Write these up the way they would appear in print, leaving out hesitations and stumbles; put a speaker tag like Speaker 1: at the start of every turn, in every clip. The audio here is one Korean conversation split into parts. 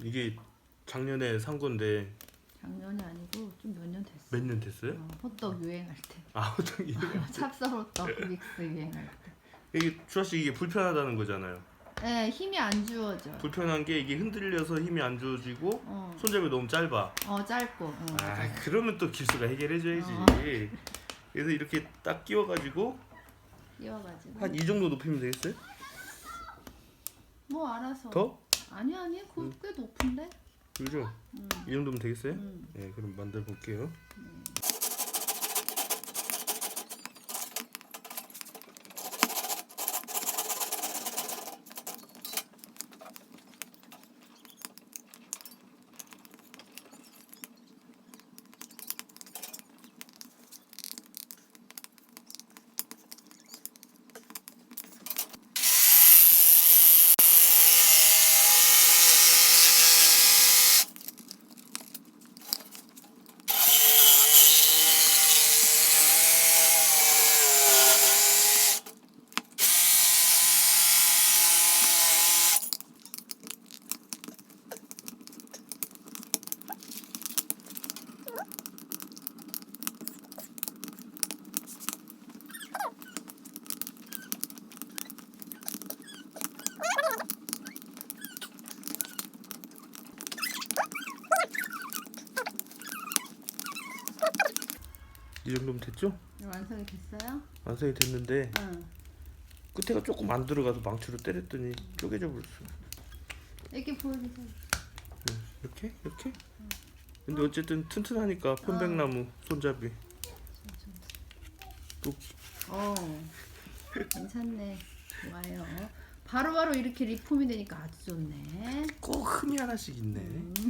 Speaker 1: 이게 작년에 산 건데
Speaker 2: 작년이 아니고 좀 몇 년 됐어.
Speaker 1: 몇 년 됐어요?
Speaker 2: 호떡 유행할 때.
Speaker 1: 아, 호떡이
Speaker 2: 찹쌀 호떡 믹스 유행할 때.
Speaker 1: 이게 주아씨 이게 불편하다는 거잖아요.
Speaker 2: 네, 힘이 안 주어져.
Speaker 1: 불편한 게 이게 흔들려서 힘이 안 주어지고 손잡이 너무 짧아.
Speaker 2: 짧고.
Speaker 1: 아, 그러면 또 길수가 해결해줘야지. 그래서 이렇게 딱 끼워가지고
Speaker 2: 끼워가지고.
Speaker 1: 한 이 정도 높이면 되겠어요?
Speaker 2: 뭐 알아서.
Speaker 1: 더?
Speaker 2: 아니 그거 꽤 높은데?
Speaker 1: 그죠? 이 정도면 되겠어요?
Speaker 2: 음.
Speaker 1: 네, 그럼 만들어 볼게요. 이 정도면 됐죠?
Speaker 2: 완성이 됐어요?
Speaker 1: 완성이 됐는데
Speaker 2: 응.
Speaker 1: 끝에가 조금 안 들어가서 망치로 때렸더니 쪼개져 버렸어.
Speaker 2: 이렇게 보여주세요.
Speaker 1: 이렇게? 이렇게? 근데 어쨌든 튼튼하니까 편백나무 손잡이. 또
Speaker 2: 괜찮네. 좋아요. 바로바로 이렇게 리폼이 되니까 아주 좋네.
Speaker 1: 꼭 흠이 하나씩 있네.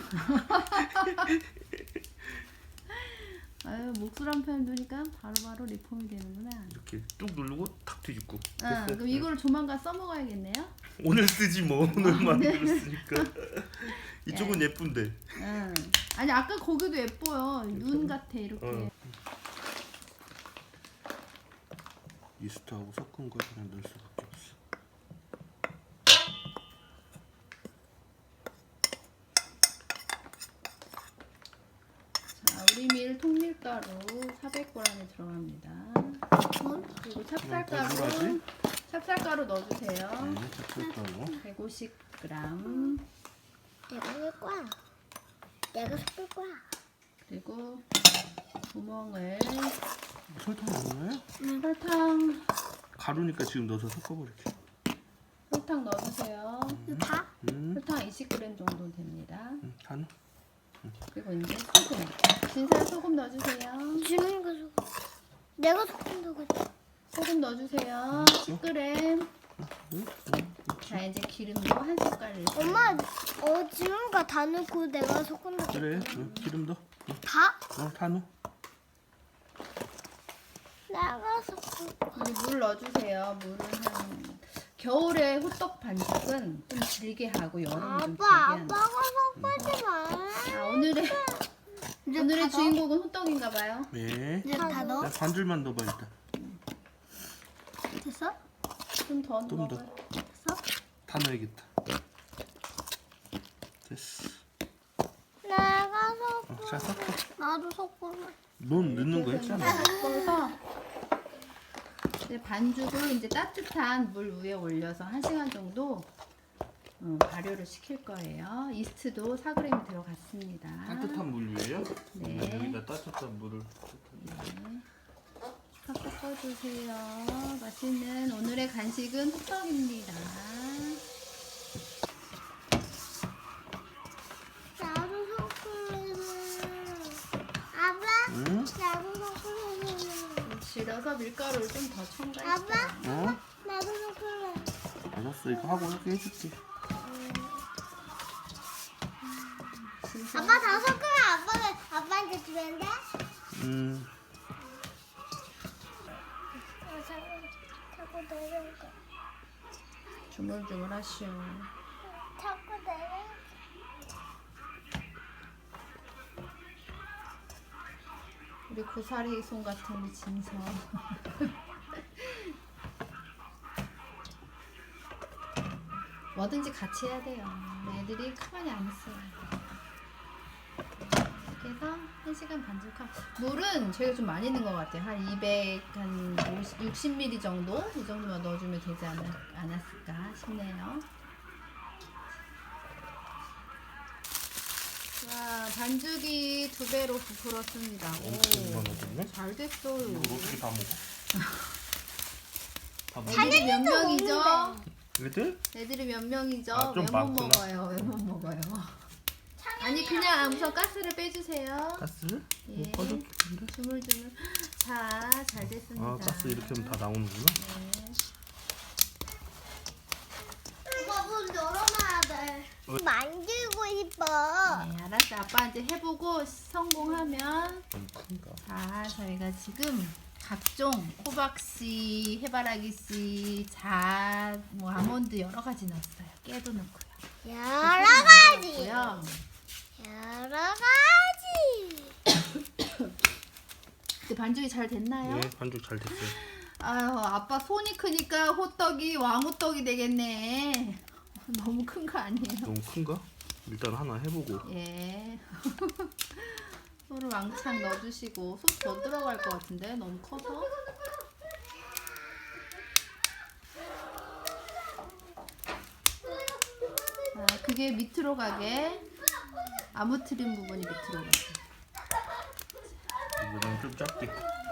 Speaker 2: 아유, 목술 한 편 두니까 바로바로 리폼이 되는구나.
Speaker 1: 이렇게 뚝 누르고 탁 뒤집고.
Speaker 2: 그럼 이거를 조만간 써먹어야겠네요.
Speaker 1: 오늘 쓰지 뭐. 오늘 만들었으니까. 이쪽은 예쁜데.
Speaker 2: 아니 아까 거기도 예뻐요. 눈 같아 이렇게.
Speaker 1: 이스트하고 섞은 걸 그냥 넣을 수밖에 없어.
Speaker 2: 자, 우리 밀 통밀가루 400g이 들어갑니다. 그리고 찹쌀가루 넣어주세요.
Speaker 1: 네, 찹쌀가루.
Speaker 2: 150g.
Speaker 3: 내가 할 거야. 내가 섞을 거야.
Speaker 2: 그리고 구멍을
Speaker 1: 설탕 넣나요?
Speaker 2: 설탕
Speaker 1: 가루니까 지금 넣어서 섞어버릴게.
Speaker 2: 설탕 넣어주세요.
Speaker 3: 다?
Speaker 2: 설탕 20g 정도 됩니다.
Speaker 1: 다 넣어.
Speaker 2: 그리고 이제 소금. 진살 소금 넣어주세요.
Speaker 3: 주는 거 섞어. 내가 섞는다고 했지.
Speaker 2: 소금 넣어주세요. 10g. 자, 이제 기름도 한 숟갈.
Speaker 3: 엄마, 지금 거 다 넣고 내가 섞는다고
Speaker 1: 그래, 기름 넣어.
Speaker 3: 다?
Speaker 1: 다 넣어.
Speaker 3: 내가 섞을 거야.
Speaker 2: 우리 물 넣어주세요. 물을 겨울에 호떡 반죽은 좀 질게 하고 여름에 좀 길게 하는.
Speaker 3: 아빠가 섞지 마.
Speaker 2: 오늘의 주인공은 호떡인가봐요.
Speaker 1: 네.
Speaker 3: 이제 다 넣어?
Speaker 1: 반줄만 넣어봐 일단.
Speaker 3: 됐어?
Speaker 2: 좀 더
Speaker 1: 좀 더.
Speaker 2: 넣어요.
Speaker 3: 됐어?
Speaker 1: 다 넣어야겠다. 됐어.
Speaker 3: 내가 섞어.
Speaker 1: 자, 섞어.
Speaker 3: 나도 섞을래.
Speaker 1: 넌 넣는 거 했잖아.
Speaker 2: 섞어서 이제 반죽을 이제 따뜻한 물 위에 올려서 1시간 정도 발효를 시킬 거예요. 이스트도 4g이 들어갔습니다.
Speaker 1: 따뜻한 물 위에요?
Speaker 2: 네.
Speaker 1: 여기다 따뜻한 물을.
Speaker 2: 팍 섞어주세요. 맛있는 오늘의 간식은 호떡입니다.
Speaker 3: 나도 섞을래. 아빠?
Speaker 1: 응?
Speaker 3: 나도 섞을래.
Speaker 2: 질어서 밀가루를 좀 더 첨가했어요.
Speaker 3: 아빠?
Speaker 1: 어?
Speaker 3: 나도 섞을래.
Speaker 1: 알았어, 이거 하고 이렇게 해줄게.
Speaker 3: 아빠 다 섞으면 아빠한테 주면 돼? 자꾸 내려올까?
Speaker 2: 주물주물 하시오.
Speaker 3: 자꾸 내려.
Speaker 2: 우리 고사리 손 같은 우리 진서. 뭐든지 같이 해야 돼요. 애들이 가만히 안 있어요. 그래서 1시간 반죽하고 물은 저희가 좀 많이 넣은 것 같아요. 한 60ml 정도? 이 정도만 넣어주면 되지 않았을까 싶네요. 자, 반죽이 2배로 부풀었습니다.
Speaker 1: 엄청 많아졌네.
Speaker 2: 잘 됐어요.
Speaker 1: 이걸 어떻게 다 먹어? 다 먹어?
Speaker 2: 애들이 몇 명이죠?
Speaker 1: 애들?
Speaker 2: 애들이 몇 명이죠?
Speaker 1: 아, 좀
Speaker 2: 왜 못
Speaker 1: 많구나.
Speaker 2: 먹어요? 왜 못 먹어요? 아니 그냥 우선 가스를 빼주세요.
Speaker 1: 가스?
Speaker 2: 예.
Speaker 1: 뭐 꺼졌겠는데?
Speaker 2: 주물주물. 자, 잘 됐습니다.
Speaker 1: 아 가스 이렇게 하면 다 나오는구나.
Speaker 2: 네.
Speaker 3: 엄마 문 열어놔야 돼. 만들고 싶어.
Speaker 2: 네, 알았어. 아빠한테 해보고 성공하면
Speaker 1: 너무 큰가?
Speaker 2: 자, 저희가 지금 각종 호박씨, 해바라기씨, 뭐 아몬드 여러 가지 넣었어요. 깨도 넣고요.
Speaker 3: 여러 가지.
Speaker 2: 넣고요.
Speaker 3: 여러 가지.
Speaker 2: 근데 반죽이 잘 됐나요?
Speaker 1: 예, 반죽 잘 됐어요.
Speaker 2: 아유, 아빠 손이 크니까 호떡이 왕호떡이 되겠네. 너무 큰 거 아니에요?
Speaker 1: 너무 큰가? 일단 하나 해보고.
Speaker 2: 예. 소를 왕창 넣어주시고 소 더 들어갈 것 같은데 너무 커서. 자, 그게 밑으로 가게 아무트림 부분이 밑으로 가게.
Speaker 1: 이거는 좀 작게.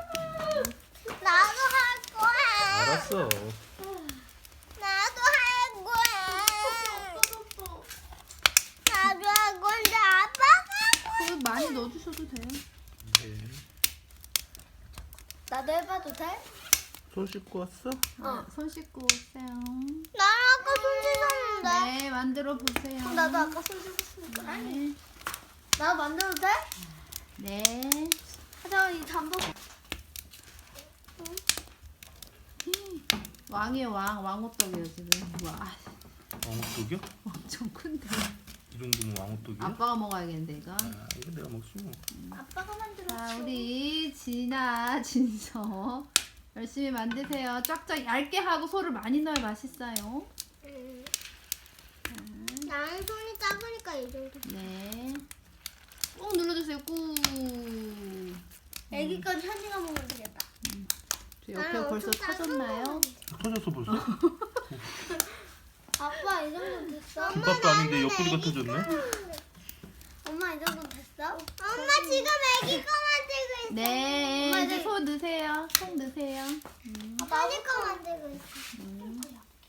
Speaker 3: 나도 할 거야.
Speaker 1: 알았어.
Speaker 3: 나도 할 거야. 나도 할 건데 아빠가.
Speaker 2: 소 많이 넣어주셔도 돼요.
Speaker 1: 네.
Speaker 3: 나도 해봐도 돼?
Speaker 1: 손 씻고 왔어?
Speaker 2: 손 씻고 오세요.
Speaker 3: 나 아까 손 씻었는데.
Speaker 2: 네, 만들어 보세요.
Speaker 3: 나도 아까 손 씻었으니까.
Speaker 2: 네.
Speaker 3: 나 만들어도 돼?
Speaker 2: 네.
Speaker 3: 하자 이 잠복.
Speaker 2: 왕이에요, 왕호떡이에요 지금. 와,
Speaker 1: 왕호떡이요?
Speaker 2: 엄청 큰데.
Speaker 1: 이 정도면 왕호떡이야?
Speaker 2: 아빠가 먹어야겠는데 이거.
Speaker 1: 아, 이거 내가 먹지 뭐.
Speaker 3: 아빠가 만들었어.
Speaker 2: 자, 우리 진서 열심히 만드세요. 쫙쫙 얇게 하고 소를 많이 넣어야 맛있어요.
Speaker 3: 나는 손이 작으니까 이 정도.
Speaker 2: 네. 꾹 눌러주세요. 꾹.
Speaker 3: 애기까지 한 시간 먹으면 되겠다.
Speaker 2: 저 옆에 벌써 터졌나요?
Speaker 1: 터졌어 벌써?
Speaker 3: 아빠 이 정도 됐어?
Speaker 1: 김밥도 아닌데 옆구리가 터졌네?
Speaker 3: 엄마 이 정도 됐어? 엄마 지금 애기 거 만들고 있어.
Speaker 2: 네.
Speaker 3: 엄마,
Speaker 2: 이제
Speaker 3: 이제-
Speaker 2: 소 넣으세요. 속 넣으세요.
Speaker 3: 아빠 애기 거 만들고 있어.
Speaker 2: 음.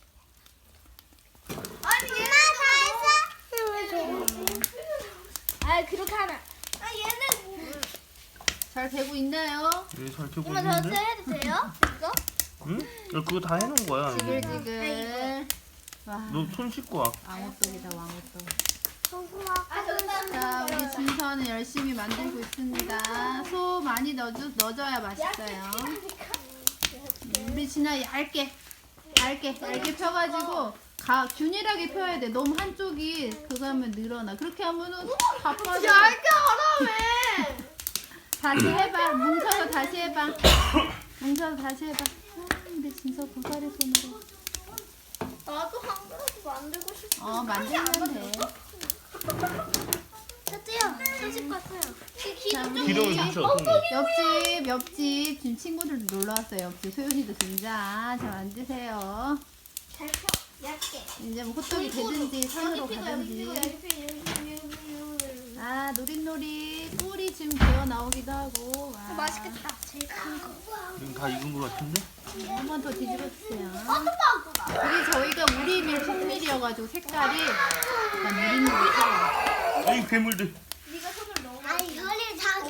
Speaker 3: 아니 얘는 다 했어? 아 그렇게 하면. 아 얘는.
Speaker 2: 잘 되고 있나요?
Speaker 1: 네, 잘 되고
Speaker 3: 엄마 저한테
Speaker 1: 있는데?
Speaker 3: 해도 돼요? 이거?
Speaker 1: 응? 야, 그거 다 해놓은 거야. 이제.
Speaker 2: 지글지글. 와,
Speaker 1: 너 손 씻고 와.
Speaker 2: 왕호떡이다 왕호떡.
Speaker 3: 아 정말.
Speaker 2: 자, 우리 진서는 열심히 만들고 있습니다. 소 많이 넣어줘야 맛있어요. 우리 진아 얇게 펴가지고 균일하게 펴야 돼. 너무 한쪽이 그거 하면 늘어나. 그렇게 하면은 다 빠져.
Speaker 3: 얇게 하라며.
Speaker 2: 다시 해봐. 뭉쳐서 다시 해봐. 뭉쳐서 다시 해봐. 우리 진서 고사리 손으로.
Speaker 3: 나도 한 그릇 만들고 싶어.
Speaker 2: 만들면 돼.
Speaker 3: 됐지요? 손 왔어요.
Speaker 2: 자, 우리
Speaker 1: 기름을 묻혀, 손에.
Speaker 2: 옆집 지금 친구들도 놀러 왔어요. 옆집 소연이도 진짜. 자, 만드세요.
Speaker 3: 잘 펴. 얇게.
Speaker 2: 이제 뭐 호떡이 되든지 산으로 가든지.
Speaker 3: 여기 피고.
Speaker 2: 아, 노릿노릿 꿀이 지금 되어 나오기도 하고. 와.
Speaker 3: 맛있겠다. 제일 큰 거.
Speaker 1: 지금 다 익은 거 같은데?
Speaker 2: 한 번 더 뒤집어 주세요.
Speaker 3: 아,
Speaker 2: 이게 저희가 우리밀 통밀이어가지고 색깔이 약간 노릿노릿해요.
Speaker 1: 아이 괴물들.
Speaker 3: 네가 손을 넣어. 아 이거를 다.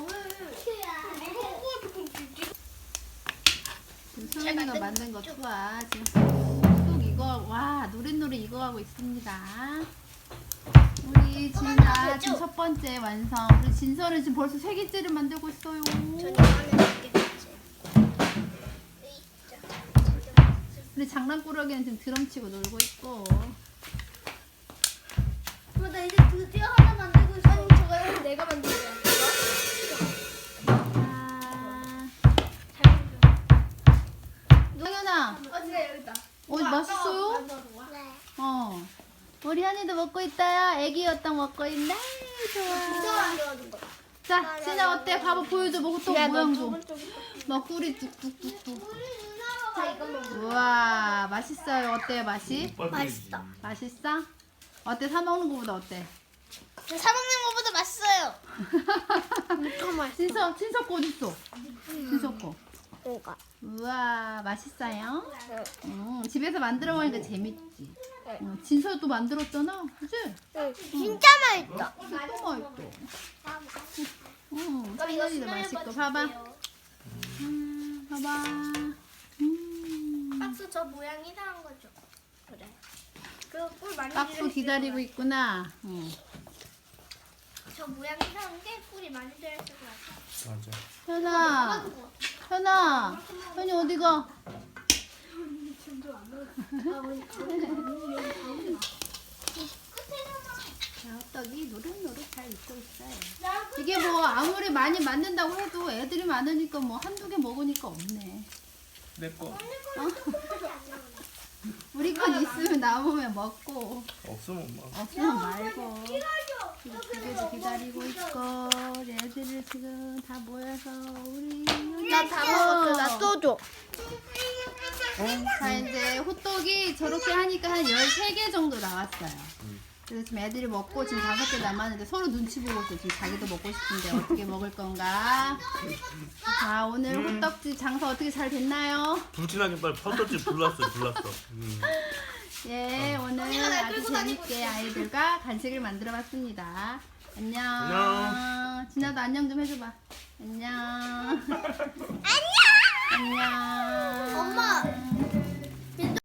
Speaker 2: 지금 소연이가 만든 거 투하. 지금 쑥 이거 와 노릿노릿 익어가고 있습니다. 우리 진아 지금 첫 번째 완성. 우리 진서는 지금 벌써 세 개째를 만들고 있어요. 우리 장난꾸러기는 지금 드럼 치고 놀고 있고.
Speaker 3: 나 이제 드디어 하나 만들고 있어. 아니 저거 내가 만든 거야.
Speaker 2: 상현아,
Speaker 3: 진짜 여기다.
Speaker 2: 맛있어요?
Speaker 3: 네.
Speaker 2: 어. 먹고 있네.
Speaker 3: 진짜
Speaker 2: 좋아.
Speaker 3: 안 좋아진 거.
Speaker 2: 자, 진아 어때? 봐봐 보여줘. 뭐 호떡 모양 좀. 막 꿀이 뚝뚝뚝뚝.
Speaker 3: 자, 이거 먹어.
Speaker 2: 우와, 맛있어요. 어때요, 맛이?
Speaker 3: 맛있어.
Speaker 2: 맛있어? 어때? 사 먹는 거보다 어때?
Speaker 3: 사 먹는 거보다 맛있어요. 엄청 맛있어.
Speaker 2: 친석 거 어딨어? 친석 거.
Speaker 3: 이거.
Speaker 2: 우와, 맛있어요? 집에서 만들어 먹으니까 재밌지. 진서도 만들었잖아, 그치?
Speaker 3: 진짜 맛있어.
Speaker 2: 또 맛있어. 찬열이도 맛있고, 봐봐. 봐봐.
Speaker 3: 박스 저 모양 이상한 거죠? 그래. 그꿀 많이
Speaker 2: 박수
Speaker 3: 들어있을
Speaker 2: 기다리고
Speaker 3: 것
Speaker 2: 있구나.
Speaker 3: 같아. 저 모양 이상한 게 꿀이 많이 들어있을 것 같아.
Speaker 1: 맞아.
Speaker 2: 현아, 현아, 현이 어디가? 자, 호떡이 노릇노릇 잘 익고 있어요. 이게 뭐 아무리 많이 만든다고 해도 애들이 많으니까 뭐 한두 개 먹으니까 없네.
Speaker 1: 내 거.
Speaker 2: 우리 건 있으면 남으면 먹고
Speaker 1: 없으면 엄마.
Speaker 2: 없으면 말고. 집에도 기다리고 있고 애들을 지금 다 모여서 우리
Speaker 3: 나 다 먹었어. 나 소주.
Speaker 2: 자 이제 호떡이 저렇게 하니까 한 13개 정도 나왔어요. 그래서 지금 애들이 먹고 지금 5개 남았는데 서로 눈치 보고 있어. 지금 자기도 먹고 싶은데 어떻게 먹을 건가. 자 오늘 호떡집 장사 어떻게 잘 됐나요?
Speaker 1: 불진하게 빨리 퍼터지 불났어.
Speaker 2: 예 오늘 아주 재밌게 아이들과 간식을 만들어 봤습니다. 안녕.
Speaker 1: 안녕.
Speaker 2: 진아도 안녕 좀 해줘봐. 안녕. 안녕.
Speaker 3: 엄마.